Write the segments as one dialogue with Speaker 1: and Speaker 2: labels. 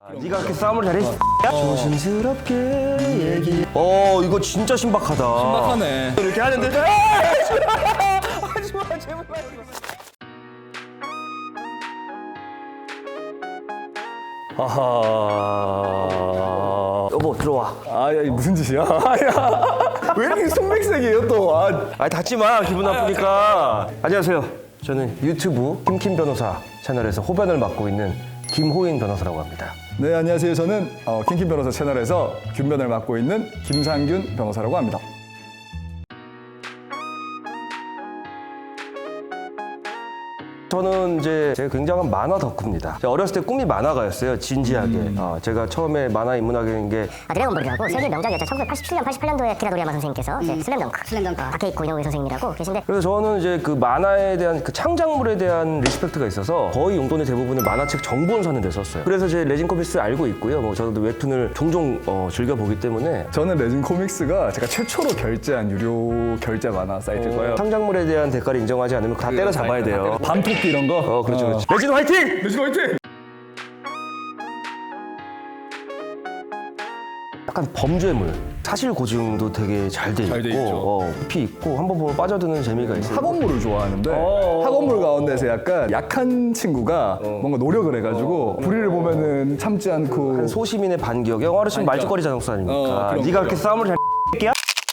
Speaker 1: 네가 그렇게 싸움을 잘했어. 조심스럽게 얘기. 이거 진짜 신박하다.
Speaker 2: 신박하네.
Speaker 1: 이렇게 하는데 하지마 제발. 아하. 여보 들어와.
Speaker 2: 아야 무슨 짓이야? 아야 왜 이렇게 손백색이에요 또?
Speaker 1: 닫지 마. 기분 나쁘니까. 안녕하세요. 저는 유튜브 김킴 변호사 채널에서 호변을 맡고 있는 김호인 변호사라고 합니다.
Speaker 2: 네 안녕하세요. 저는 킹킴 변호사 채널에서 균변을 맡고 있는 김상균 변호사라고 합니다.
Speaker 1: 저는 이제 제가 굉장한 만화 덕후입니다. 제가 어렸을 때 꿈이 만화가였어요. 진지하게. 제가 처음에 만화 입문하게 된 게
Speaker 3: 드래곤볼이라고 세계 명작이었죠. 1987년, 88년도에 키라 도리야마 선생님께서 이제 슬램덩크, 다케이코 이노우에 선생님이라고 계신데
Speaker 1: 그래서 저는 이제 그 만화에 대한 그 창작물에 대한 리스펙트가 있어서 거의 용돈의 대부분을 만화책 정본 사는 데 썼어요. 그래서 제 레진 코믹스 알고 있고요. 뭐 저도 웹툰을 종종 즐겨보기 때문에
Speaker 2: 저는 레진 코믹스가 제가 최초로 결제한 유료 결제 만화 사이트고요.
Speaker 1: 창작물에 대한 대가를 인정하지 않으면 다 때려잡아야 돼요.
Speaker 2: 밤토끼 이런 거?
Speaker 1: 그렇죠, 그렇죠. 레진 화이팅!
Speaker 2: 레진 화이팅!
Speaker 1: 약간 범죄물, 사실 고증도 되게 잘 돼
Speaker 2: 잘 돼
Speaker 1: 있고,
Speaker 2: 있죠.
Speaker 1: 깊이 있고 한번 보면 빠져드는 재미가 있어요.
Speaker 2: 학원물을 좋아하는데 학원물 가운데서 약간 약한 친구가 뭔가 노력을 해가지고 불의를 보면은 참지 않고
Speaker 1: 한 소시민의 반격, 영화로 치면 말죽거리 자동차 아닙니까?
Speaker 2: 그런
Speaker 1: 네가
Speaker 2: 거죠.
Speaker 1: 그렇게 싸움을 잘 X야?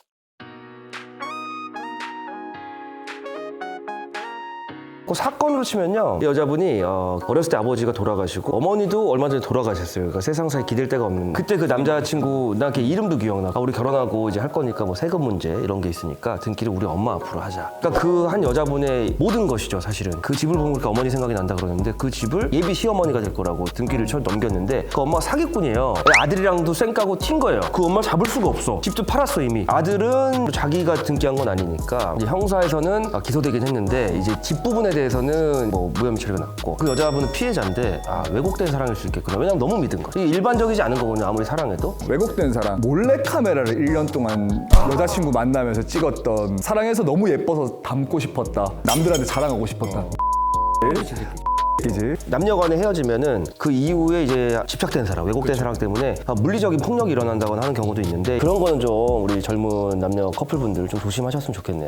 Speaker 1: 그 사건으로 치면요, 이 여자분이 어렸을 때 아버지가 돌아가시고 어머니도 얼마 전에 돌아가셨어요. 그러니까 세상사에 기댈 데가 없는. 그때 그 남자친구 나 걔 이름도 기억나. 우리 결혼하고 이제 할 거니까 뭐 세금 문제 이런 게 있으니까 등기를 우리 엄마 앞으로 하자. 그러니까 그 한 여자분의 모든 것이죠, 사실은. 그 집을 보니까 어머니 생각이 난다 그러는데 그 집을 예비 시어머니가 될 거라고 등기를 넘겼는데 그 엄마가 사기꾼이에요. 아들이랑도 쌩까고 튄 거예요. 그 엄마 잡을 수가 없어. 집도 팔았어 이미. 아들은 자기가 등기한 건 아니니까 이제 형사에서는 기소되긴 했는데 이제 집 부분에 대해서는 뭐 무혐의 처리가 났고 그 여자분은 피해자인데 왜곡된 사랑일 수 있겠구나. 왜냐면 너무 믿은 거야. 이게 일반적이지 않은 거거든요. 아무리 사랑해도.
Speaker 2: 왜곡된 사랑 몰래카메라를 1년 동안 여자친구 만나면서 찍었던 사랑해서 너무 예뻐서 닮고 싶었다. 남들한테 자랑하고 싶었다. 이지
Speaker 1: 남녀 간에 헤어지면은 그 이후에 이제 집착된 사랑, 왜곡된 사랑 때문에 물리적인 폭력이 일어난다거나 하는 경우도 있는데 그런 거는 좀 우리 젊은 남녀 커플분들 좀 조심하셨으면 좋겠네요.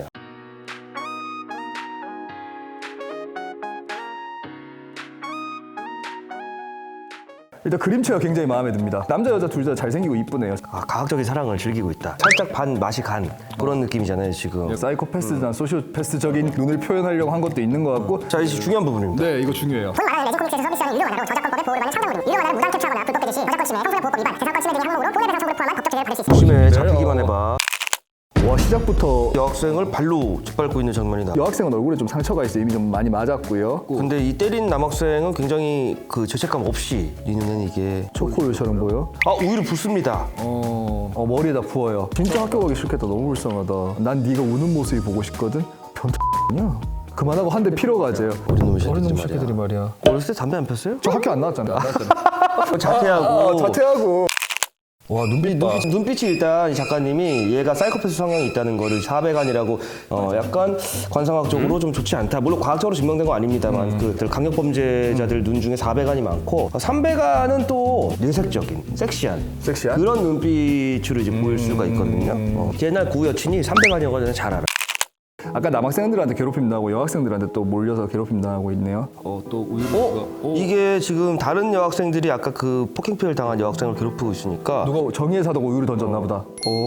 Speaker 2: 일단 그림체가 굉장히 마음에 듭니다. 남자 여자 둘 다 잘생기고 이쁘네요.
Speaker 1: 과학적인 사랑을 즐기고 있다. 살짝 반 맛이 간 그런 느낌이잖아요 지금.
Speaker 2: 사이코패스나 소시오패스적인 눈을 표현하려고 한 것도 있는 것 같고.
Speaker 1: 자 이제 중요한 부분입니다.
Speaker 2: 네, 이거 중요해요.
Speaker 3: 본 만화는 레진 코믹스에서 서비스하는 유료 만화로 저작권법의 보호를 받는 창작물입니다. 유료 만화는 무단 캡처하거나 불법 배지 시, 저작권 침해, 형사상 보호법 위반, 재산권 침해 등의 항목으로 손해배상 청구를 포함한 법적 제재를 받을 수 있습니다.
Speaker 1: 조심해. 잡히기만 해봐.
Speaker 2: 와, 시작부터
Speaker 1: 여학생을 발로 짓밟고 있는 장면이다.
Speaker 2: 여학생은 얼굴에 좀 상처가 있어요. 이미 좀 많이 맞았고요.
Speaker 1: 근데 이 때린 남학생은 굉장히 그 죄책감 없이 네 눈에는 이게
Speaker 2: 초코우유처럼 보여.
Speaker 1: 우유를 붓습니다.
Speaker 2: 머리에다 부어요. 진짜 학교 가기 싫겠다. 너무 불쌍하다. 난 네가 우는 모습이 보고 싶거든. 변태냐? 그만하고 한 대 피러 가세요.
Speaker 1: 어린 놈의
Speaker 2: 새끼들이 말이야.
Speaker 1: 어렸을 때 담배 안 폈어요?
Speaker 2: 저 학교 안 나왔잖아요.
Speaker 1: 자퇴하고.
Speaker 2: 자퇴하고.
Speaker 1: 와 눈빛이 일단 이 작가님이 얘가 사이코패스 성향이 있다는 거를 400안이라고 약간 관상학적으로 좀 좋지 않다. 물론 과학적으로 증명된 건 아닙니다만 그 강력 범죄자들 눈 중에 400안이 많고 300안은 또 내색적인 섹시한 그런 눈빛으로 이제 보일 수가 있거든요. 옛날 구 여친이 300안이어가지고 잘 알아.
Speaker 2: 아까 남학생들한테 괴롭힘 당하고 여학생들한테 또 몰려서 괴롭힘 당하고 있네요.
Speaker 1: 이게 지금 다른 여학생들이 아까 그 폭행 피해를 당한 여학생을 괴롭히고 있으니까
Speaker 2: 누가 정의의 사도가 우유를 던졌나 보다.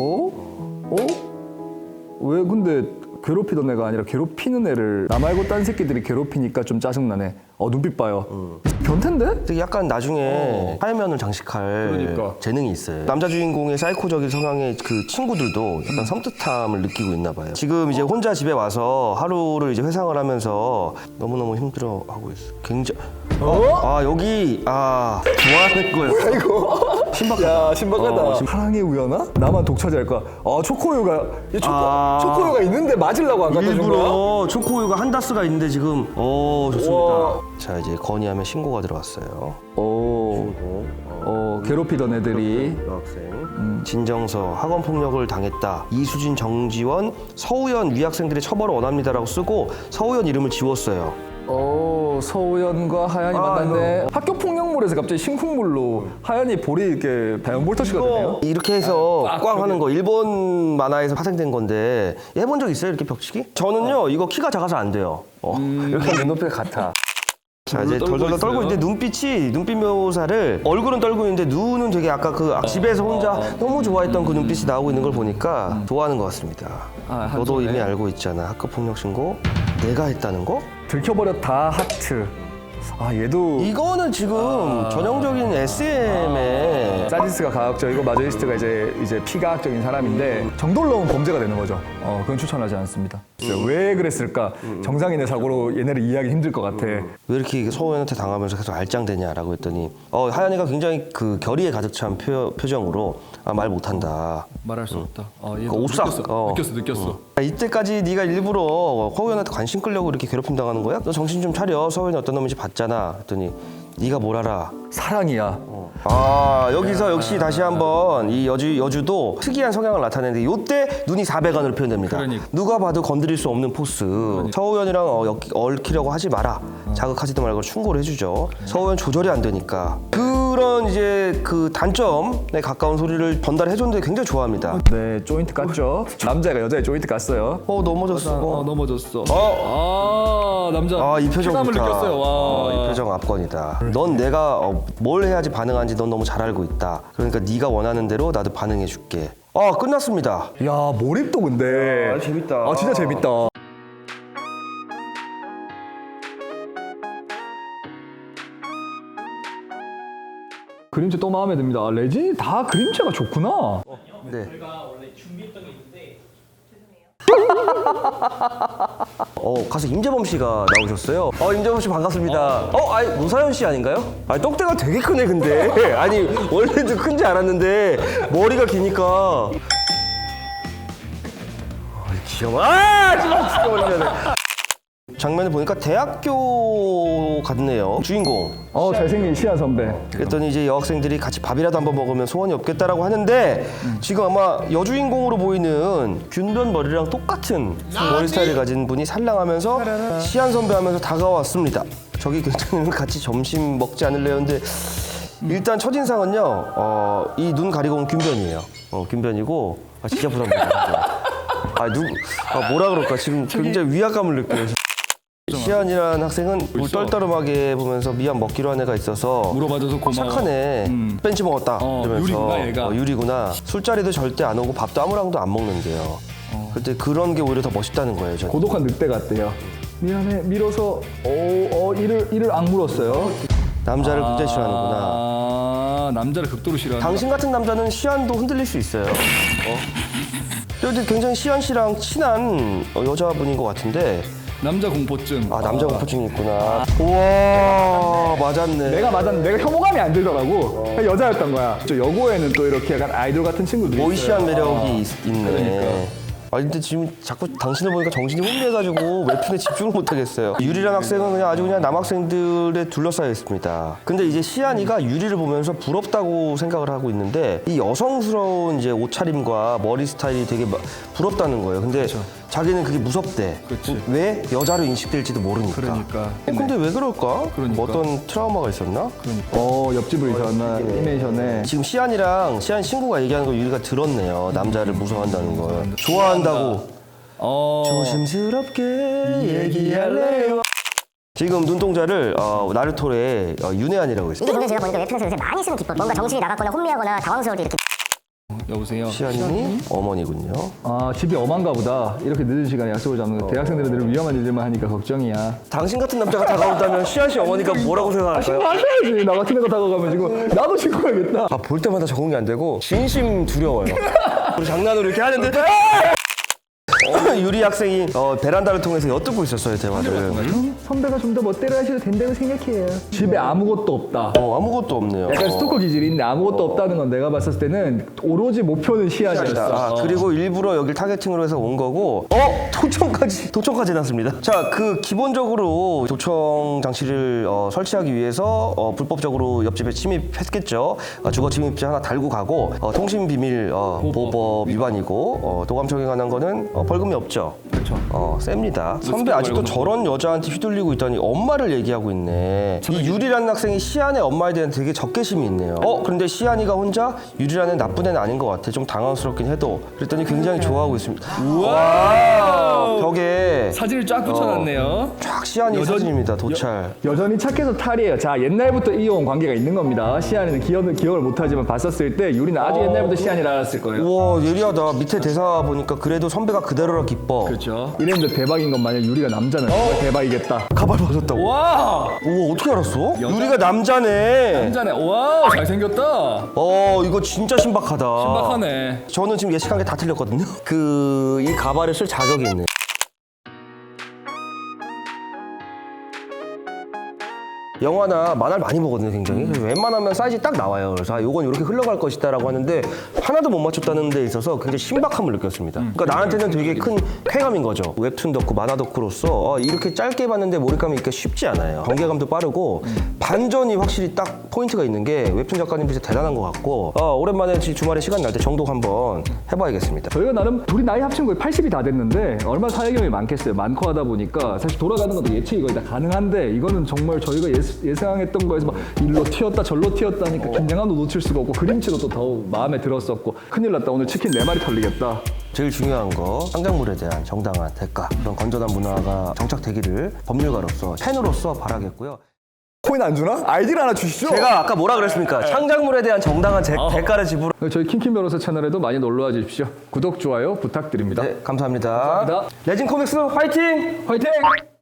Speaker 2: 왜 근데 괴롭히던 애가 아니라 괴롭히는 애를 나 말고 딴 새끼들이 괴롭히니까 좀 짜증나네. 눈빛 봐요. 변태인데?
Speaker 1: 되게 약간 나중에 하야면을 장식할
Speaker 2: 그러니까.
Speaker 1: 재능이 있어요. 남자 주인공의 사이코적인 성향의 그 친구들도 약간 섬뜩함을 느끼고 있나 봐요. 지금 이제 혼자 집에 와서 하루를 이제 회상을 하면서 너무너무 힘들어하고 있어. 굉장히 여기 좋아하는 거였어.
Speaker 2: 이거
Speaker 1: 신박하다.
Speaker 2: 야, 신박하다. 사랑의 우연아? 나만 독차지할 거야. 초코우유가 초코우유가 있는데 맞으려고 안 갖다 준 거야?
Speaker 1: 일부러 초코우유가 한 다스가 있는데 지금 좋습니다.
Speaker 2: 우와.
Speaker 1: 자 이제 건의하면 신고가 들어왔어요.
Speaker 2: 괴롭히던 애들이
Speaker 1: 여학생 진정서 학원 폭력을 당했다. 이수진, 정지원, 서우연 위학생들의 처벌을 원합니다라고 쓰고 서우연 이름을 지웠어요.
Speaker 2: 서우연과 하얀이 만났네. 학교 폭력물 볼에서 갑자기 신쿵물로 하얀이 볼이 이렇게 다이언볼터시가 되네요.
Speaker 1: 이렇게 해서 꽝 하는 거 일본 만화에서 파생된 건데 해본 적 있어요? 이렇게 벽치기? 저는요 이거 키가 작아서 안 돼요. 이렇게 눈높이가 같아. 자 이제 덜덜 떨고 있는데 눈빛 묘사를 얼굴은 떨고 있는데 눈은 되게 아까 그 집에서 혼자 너무 좋아했던 그 눈빛이 나오고 있는 걸 보니까 좋아하는 것 같습니다. 너도 이미 알고 있잖아. 학급 폭력 신고 내가 했다는 거?
Speaker 2: 들켜버렸다 하트. 얘도
Speaker 1: 이거는 지금 전형적인 SM의
Speaker 2: 사디스가 과학적이고 마저리스트가 이제 피과학적인 사람인데 정도를 넘은 범죄가 되는 거죠. 그건 추천하지 않습니다. 왜 그랬을까? 정상인의 사고로 얘네를 이해하기 힘들 것 같아.
Speaker 1: 왜 이렇게 서호연한테 당하면서 계속 알짱대냐라고 했더니 하연이가 굉장히 그 결의에 가득 찬 표정으로 말 못한다.
Speaker 2: 말할 수 없다.
Speaker 1: 그 옵삭.
Speaker 2: 느꼈어.
Speaker 1: 이때까지 네가 일부러 서호연한테 관심 끌려고 이렇게 괴롭힘 당하는 거야? 너 정신 좀 차려. 서호연이 어떤 놈인지 봤잖아. 했더니 네가 뭘 알아?
Speaker 2: 사랑이야.
Speaker 1: 여기서 역시 다시 한번 이 여주도 특이한 성향을 나타내는데 요때 눈이 400안으로 표현됩니다.
Speaker 2: 그러니까.
Speaker 1: 누가 봐도 건드릴 수 없는 포스. 서우연이랑 얽히려고 하지 마라. 자극하지도 말고 충고를 해주죠. 서우연 조절이 안 되니까. 그런 이제 그 단점에 가까운 소리를 전달해줬는데 굉장히 좋아합니다.
Speaker 2: 네, 조인트 깠죠. 남자가 여자의 조인트 깠어요.
Speaker 1: 넘어졌어.
Speaker 2: 넘어졌어. 남자.
Speaker 1: 이 표정
Speaker 2: 쾌감을
Speaker 1: 좋다.
Speaker 2: 느꼈어요. 와.
Speaker 1: 이 표정 압권이다. 넌 내가 뭘 해야지 반응하는지 넌 너무 잘 알고 있다. 그러니까 네가 원하는 대로 나도 반응해줄게. 끝났습니다.
Speaker 2: 야, 몰입도 근데.
Speaker 1: 재밌다.
Speaker 2: 진짜 재밌다. 그림체 또 마음에 듭니다. 레진이 다 그림체가 좋구나.
Speaker 1: 네.
Speaker 4: 저희가 원래 준비했던 게 있는데
Speaker 1: 가수 임재범 씨가 나오셨어요. 임재범 씨 반갑습니다. 노사연 씨 아닌가요? 떡대가 되게 크네 근데. 아니 원래도 큰지 알았는데 머리가 기니까. 귀여워. 지금 죽여버리네. 장면을 보니까 대학교 같네요. 주인공.
Speaker 2: 잘생긴 시아 선배.
Speaker 1: 그랬더니 이제 여학생들이 같이 밥이라도 한번 먹으면 소원이 없겠다라고 하는데 지금 아마 여주인공으로 보이는 균변 머리랑 똑같은 머리 스타일을 가진 분이 살랑하면서 시안 선배 하면서 다가왔습니다. 저기 굉장히 같이 점심 먹지 않을래요? 근데 일단 첫인상은요 이 눈 가리고 온 균변이에요. 균변이고 진짜 부담된다. 뭐라 그럴까 지금 굉장히 위압감을 느껴요. 시안이라는 학생은 물 떨떠름하게 보면서 미안 먹기로 한 애가 있어서
Speaker 2: 물어봐줘서 고마워.
Speaker 1: 착하네. 벤치 먹었다. 이러면서
Speaker 2: 유리구나, 얘가.
Speaker 1: 유리구나. 술자리도 절대 안 오고 밥도 아무랑도 안 먹는데요. 그때 그런 게 오히려 더 멋있다는 거예요. 저는.
Speaker 2: 고독한 늑대 같대요. 미안해, 밀어서 이를 악물었어요.
Speaker 1: 남자를 굉장히 싫어하는구나.
Speaker 2: 남자를 극도로 싫어하는.
Speaker 1: 당신 같은 남자는 시안도 흔들릴 수 있어요. 근데 굉장히 시안 씨랑 친한 여자분인 것 같은데
Speaker 2: 남자 공포증.
Speaker 1: 남자 공포증이 있구나. 우와 맞았네.
Speaker 2: 내가 혐오감이 안 들더라고. 그냥 여자였던 거야. 저 여고에는 또 이렇게 약간 아이돌 같은 친구들이
Speaker 1: 보이시한
Speaker 2: 있어요.
Speaker 1: 매력이 있네. 근데 지금 자꾸 당신을 보니까 정신이 혼미해가지고 웹툰에 집중을 못하겠어요. 유리란 학생은 그냥 아주 그냥 남학생들에 둘러싸여 있습니다. 근데 이제 시안이가 유리를 보면서 부럽다고 생각을 하고 있는데 이 여성스러운 이제 옷차림과 머리 스타일이 되게 부럽다는 거예요. 근데 자기는 그게 무섭대. 왜? 여자로 인식될지도 모르니까.
Speaker 2: 그러니까.
Speaker 1: 근데 왜 그럴까?
Speaker 2: 그러니까.
Speaker 1: 어떤 트라우마가 있었나?
Speaker 2: 옆집으로 이사왔나 애니메이션에.
Speaker 1: 지금 시안이랑 시안 친구가 얘기하는 걸 유리가 들었네요. 남자를 무서워한다는 걸. 좋아한다고. 조심스럽게 얘기할래요. 지금 눈동자를 나루토의 윤회안이라고 했어요.
Speaker 3: 이게 근데 제가 보니까 웹툰에서 요새 많이 쓰는 기법, 뭔가 정신이 나갔거나 혼미하거나 당황스러울 때 이렇게
Speaker 2: 여보세요.
Speaker 1: 시안이 어머니군요.
Speaker 2: 집이 엄한가 보다. 이렇게 늦은 시간에 약속을 잡는 거. 대학생들은 늘 위험한 일들만 하니까 걱정이야.
Speaker 1: 당신 같은 남자가 다가온다면 시안 씨 어머니가 뭐라고 생각할까요?
Speaker 2: 신고하셔야지. 나 같은 애가 다가가면 지금 나도 신고해야겠다.
Speaker 1: 볼 때마다 적응이 안 되고 진심 두려워요. 우리 장난으로 이렇게 하는데 유리 학생이 베란다를 통해서 엿듣고 있었어요 대화를.
Speaker 2: 선배가 좀 더 멋대로 하셔도 된다고 생각해요. 집에 아무것도 없다.
Speaker 1: 아무것도 없네요.
Speaker 2: 약간 스토커 기질이 있는데 아무것도 없다는 건 내가 봤을 때는 오로지 목표는 시안이었어.
Speaker 1: 그리고 일부러 여길 타겟팅으로 해서 온 거고 도청까지 해놨습니다. 자, 그 기본적으로 도청 장치를 설치하기 위해서 불법적으로 옆집에 침입했겠죠. 주거 침입자 하나 달고 가고 통신 비밀 보호법 위반이고 도감청에 관한 거는 벌금 벌금이 없죠.
Speaker 2: 그렇죠.
Speaker 1: 셉니다. 선배 아직도 저런 여자한테 휘둘리고 있다니 엄마를 얘기하고 있네. 이 유리라는 학생이 시안의 엄마에 대한 되게 적개심이 있네요. 그런데 시안이가 혼자 유리라는 나쁜 애는 아닌 것 같아. 좀 당황스럽긴 해도. 그랬더니 굉장히 좋아하고 있습니다. 우와! 벽에
Speaker 5: 사진을 쫙 붙여놨네요.
Speaker 1: 쫙 시안이 사진입니다. 도찰.
Speaker 2: 여전히 착해서 탈이에요. 자, 옛날부터 이어온 관계가 있는 겁니다. 시안이는 기억을 못하지만 봤었을 때 유리는 아주 옛날부터 시안이를 알았을 거예요.
Speaker 1: 우와 예리하다. 밑에 대사 보니까 그래도 선배가 그대로라 기뻐.
Speaker 5: 그렇죠.
Speaker 2: 이랬는데 대박인 건 만약 유리가 남자는 정말 대박이겠다.
Speaker 1: 가발 벗었다고.
Speaker 5: 와,
Speaker 1: 우와 어떻게 알았어? 유리가 남자네.
Speaker 5: 남자네. 와, 잘생겼다.
Speaker 1: 이거 진짜 신박하다.
Speaker 5: 신박하네.
Speaker 1: 저는 지금 예측한 게 다 틀렸거든요. 이 가발을 쓸 자격이 있네. 영화나 만화를 많이 보거든요, 굉장히. 그래서 웬만하면 사이즈 딱 나와요. 그래서 요건 이렇게 흘러갈 것이다라고 하는데 하나도 못 맞췄다는 데 있어서 굉장히 신박함을 느꼈습니다. 그러니까 나한테는 되게 큰 쾌감인 거죠. 웹툰 덕후, 만화 덕후로서 이렇게 짧게 봤는데 몰입감이 있기가 쉽지 않아요. 전개감도 빠르고 반전이 확실히 딱 포인트가 있는 게 웹툰 작가님 진짜 대단한 것 같고 오랜만에 주말에 시간 날 때 정독 한번 해봐야겠습니다.
Speaker 2: 저희가 나름 둘이 나이 합친 거의 80이 다 됐는데 얼마나 사회 경험이 많겠어요. 많고 하다 보니까 사실 돌아가는 것도 예측이 거의 다 가능한데 이거는 정말 저희가 예상했던 거에서 막 일로 튀었다 절로 튀었다 하니까 긴장감도 놓칠 수가 없고 그림체도 또 더욱 마음에 들었었고 큰일 났다 오늘 치킨 4마리 털리겠다.
Speaker 1: 제일 중요한 거 창작물에 대한 정당한 대가, 그런 건전한 문화가 정착되기를 법률가로서 팬으로서 바라겠고요.
Speaker 2: 코인 안 주나? 아이디를 하나 주시죠.
Speaker 1: 제가 아까 뭐라 그랬습니까? 창작물에 대한 정당한 대가를 지불.
Speaker 2: 저희 킹킹 변호사 채널에도 많이 놀러와 주십시오. 구독, 좋아요 부탁드립니다.
Speaker 1: 네, 감사합니다.
Speaker 2: 감사합니다.
Speaker 1: 레진 코믹스 화이팅!
Speaker 2: 화이팅!